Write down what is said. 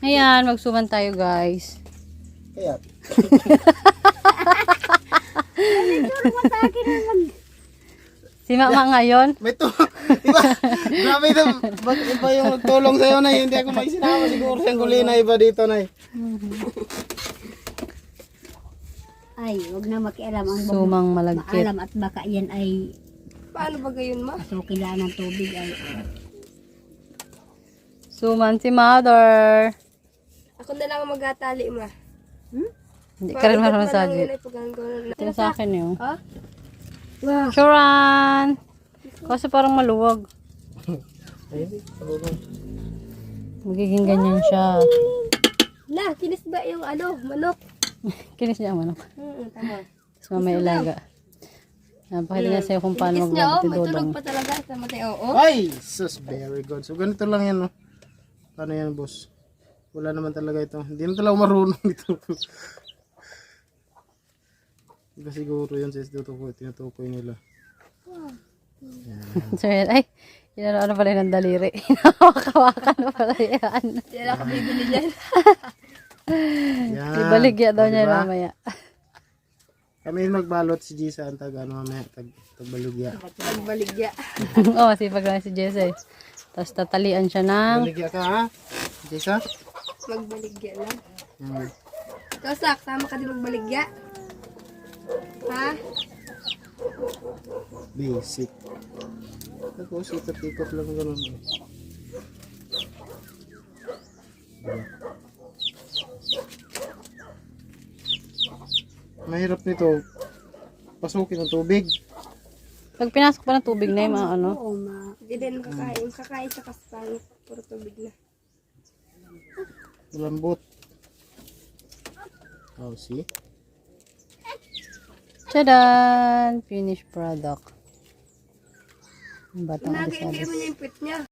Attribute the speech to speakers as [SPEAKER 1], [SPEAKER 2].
[SPEAKER 1] Ayan, magsuman tayo guys.
[SPEAKER 2] Kaya.
[SPEAKER 1] Si Mama ngayon.
[SPEAKER 2] May to. Diba? Grabe ito. Bakit iba yung nagtulong sa'yo na hindi ako may sinama siguro siyang kulina iba dito na
[SPEAKER 3] Ay, wag na makialam ang
[SPEAKER 1] Sumang malagkit.
[SPEAKER 3] maalam at baka yan ay
[SPEAKER 4] Paano ba gayon, ma?
[SPEAKER 3] pasukilaan ng tubig ay
[SPEAKER 1] Suman si Mother.
[SPEAKER 4] Ako na lang ang magtatali, ma.
[SPEAKER 1] Hindi ka rin marunong sa
[SPEAKER 4] yun ay pagkakaroon.
[SPEAKER 1] Ito sa akin yun.
[SPEAKER 4] Ha?
[SPEAKER 3] wow.
[SPEAKER 1] Churan! Kasi parang maluwag. Magiging ganyan siya.
[SPEAKER 4] La, kinis ba yung ano, manok?
[SPEAKER 1] Kinis niya ang manok.
[SPEAKER 4] Tama.
[SPEAKER 1] Tapos mamaya ilaga. Napakita niya sa'yo kung paano
[SPEAKER 4] Kinis niya, oh, may
[SPEAKER 1] magdudodong.
[SPEAKER 4] tunog pa talaga sa matay, oo.
[SPEAKER 2] Ay! Sus, very good. So ganito lang yan, no? Paano yan, boss? Wala naman talaga ito. Hindi na talaga marunong ito. Iba siguro yun sa tinutukoy nila.
[SPEAKER 1] So, yan. Ay, yun ano pala ng daliri. Hawak-hawakan na pala yan.
[SPEAKER 4] Hindi na ako bibili dyan.
[SPEAKER 2] Yan.
[SPEAKER 1] Ibaligya daw niya
[SPEAKER 2] Diba?
[SPEAKER 1] mamaya.
[SPEAKER 2] Kami magbalot si Gisa ang tag ano mamaya tagbaligya.
[SPEAKER 4] Magbaligya.
[SPEAKER 1] Oo, sipag lang si Jesse. Tapos tatalian siya ng...
[SPEAKER 2] Baligya ka ha? Gisa?
[SPEAKER 4] Magbaligya lang.
[SPEAKER 2] Yan.
[SPEAKER 4] Ikaw, Sak, sama ka din magbaligya. Ha?
[SPEAKER 2] Basic. Ako, sikot-ikot lang ganun. Mahirap nito. Pasukin ng tubig.
[SPEAKER 1] Pag pinasok pa ng tubig na yung mga ano.
[SPEAKER 3] Oo, ma.
[SPEAKER 4] Hindi din kakain. Kakain sa kaspangit. Puro tubig na.
[SPEAKER 2] Lambot. Oh, see?
[SPEAKER 1] Tadaan! Finished product. Ang batang
[SPEAKER 4] Nagay
[SPEAKER 1] alisado.
[SPEAKER 4] mo niya yung pit niya.